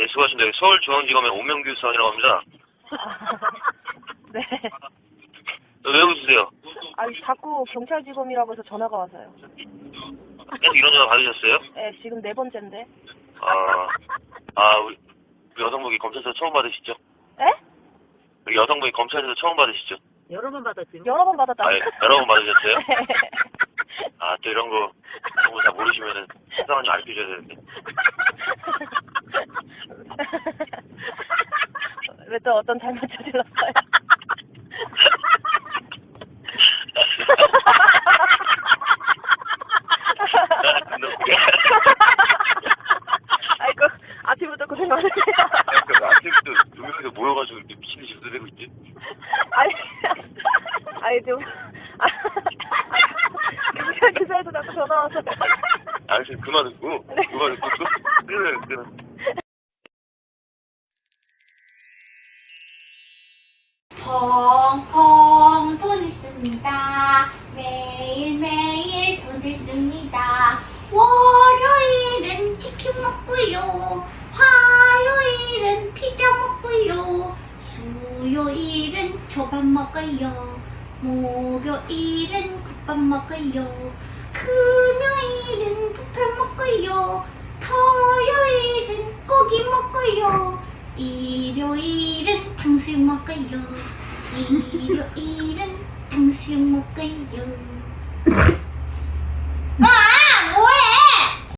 네, 수고하십니다. 서울중앙지검의 오명규 수사관이라고 합니다. 네. 왜 웃으세요? 아니, 자꾸 경찰직원이라고 해서 전화가 와서요. 계속 이런 전화 받으셨어요? 네, 지금 4번째인데. 우리 여성분이 검찰에서 처음 받으시죠? 에? 우리 여성분이 검찰에서 처음 받으시죠? 여러 번 받았지. 여러 번 받았다. 예, 여러 번 받으셨어요? 또 이런 거 잘 모르시면은 수사관님 알려줘야 되는데. 왜 또 어떤 잘못 저질렀어요? 아이고, 아침부터 고생 많으세요. 아침부터 두 명이서 모여가지고 이렇게 미친 듯이 웃어대고 있지? 아니 좀 경찰 기사에서 자꾸 전화 와서. 지금 그만 듣고 끊어. 펑펑 돈을 씁니다. 매일매일 돈을 씁니다. 월요일은 치킨 먹고요. 화요일은 피자 먹고요. 수요일은 초밥 먹어요. 목요일은 국밥 먹어요. 금요일은 부편 먹고요. 토요일은 고기 먹고요. 일요일은 탕수육 먹어요. 일요일은 탕수육 먹어요.